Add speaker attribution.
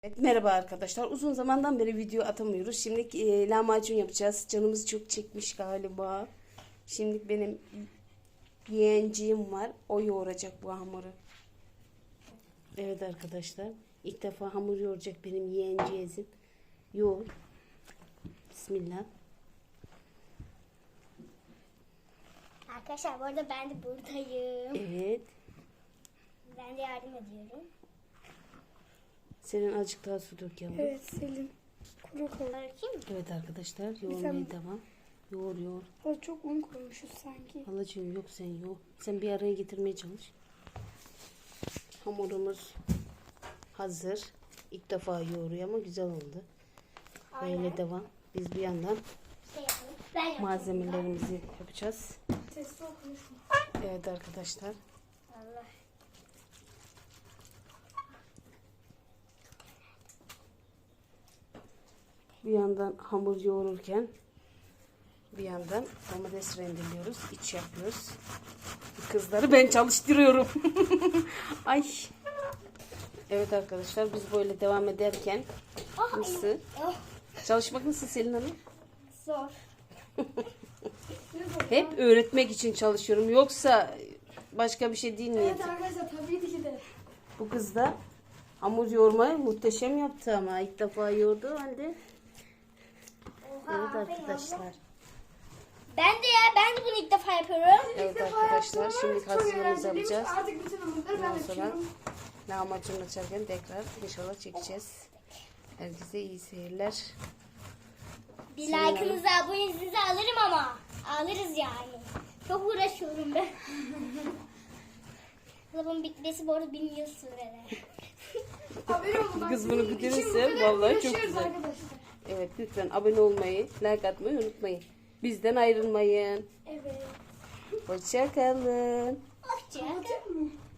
Speaker 1: Evet, merhaba arkadaşlar. Uzun zamandan beri video atamıyoruz. Şimdi lahmacun yapacağız. Canımız çok çekmiş galiba. Şimdi benim yeğenciğim var. O yoğuracak bu hamuru. Evet arkadaşlar. İlk defa hamur yoğuracak benim yeğenciğim. Yoğur. Bismillah.
Speaker 2: Arkadaşlar bu arada ben de buradayım.
Speaker 1: Evet.
Speaker 2: Ben de yardım ediyorum.
Speaker 1: Senin azıcık daha su dök yavrum.
Speaker 3: Evet Selin. Kuru kuru.
Speaker 2: Bırakayım mı?
Speaker 1: Evet arkadaşlar. Yoğurmaya devam. Yoğur yoğur.
Speaker 3: O çok un koymuşuz sanki.
Speaker 1: Halacığım yok sen yoğur. Sen bir araya getirmeye çalış. Hamurumuz hazır. İlk defa yoğuruyor ama güzel oldu. Böyle
Speaker 2: Aynen.
Speaker 1: devam. Biz bir yandan
Speaker 2: Şey yapalım. Ben yapayım.
Speaker 1: malzemelerimizi yapacağız.
Speaker 3: Sesli okunuşma.
Speaker 1: Evet arkadaşlar.
Speaker 2: Allah.
Speaker 1: Bir yandan hamur yoğururken bir yandan domates rendeliyoruz. İç yapıyoruz. Kızları ben çalıştırıyorum. Ay. Evet arkadaşlar biz böyle devam ederken nasıl?
Speaker 2: Oh,
Speaker 1: Çalışmak nasıl Selin Hanım?
Speaker 2: zor.
Speaker 1: Hep öğretmek için çalışıyorum. Yoksa başka bir şey değil
Speaker 3: Evet
Speaker 1: niyetim.
Speaker 3: arkadaşlar tabii ki de.
Speaker 1: Bu kız da hamur yoğurmayı muhteşem yaptı ama ilk defa yoğurdu halde.
Speaker 2: Oha,
Speaker 1: Evet
Speaker 2: aferin
Speaker 1: arkadaşlar.
Speaker 2: abla. Ben de bunu ilk defa yapıyorum.
Speaker 1: Evet arkadaşlar şimdi
Speaker 3: Çok
Speaker 1: hazırlığımızı
Speaker 3: eğlenceliymiş.
Speaker 1: yapacağız.
Speaker 3: Artık bütün umutları ben
Speaker 1: Ondan sonra
Speaker 3: yapıyorum.
Speaker 1: lahmacun açarken tekrar inşallah çekeceğiz. Herkese iyi seyirler.
Speaker 2: Bir
Speaker 1: Senin
Speaker 2: like'ınızı, abonenizi alırım ama. Alırız yani. Çok uğraşıyorum ben. Bunun bitmesi bu arada 1000 yıl sürer.
Speaker 3: Haberi olun. bak,
Speaker 1: Kız bunu
Speaker 3: bizim
Speaker 1: bitirirse
Speaker 3: için bu kadar
Speaker 1: vallahi çok
Speaker 3: uğraşıyoruz
Speaker 1: güzel.
Speaker 3: arkadaşlar.
Speaker 1: Evet lütfen abone olmayı, like atmayı unutmayın. Bizden ayrılmayın.
Speaker 3: Evet.
Speaker 1: Hoşça kalın.
Speaker 2: Hoşça.
Speaker 3: Anlatayım mı?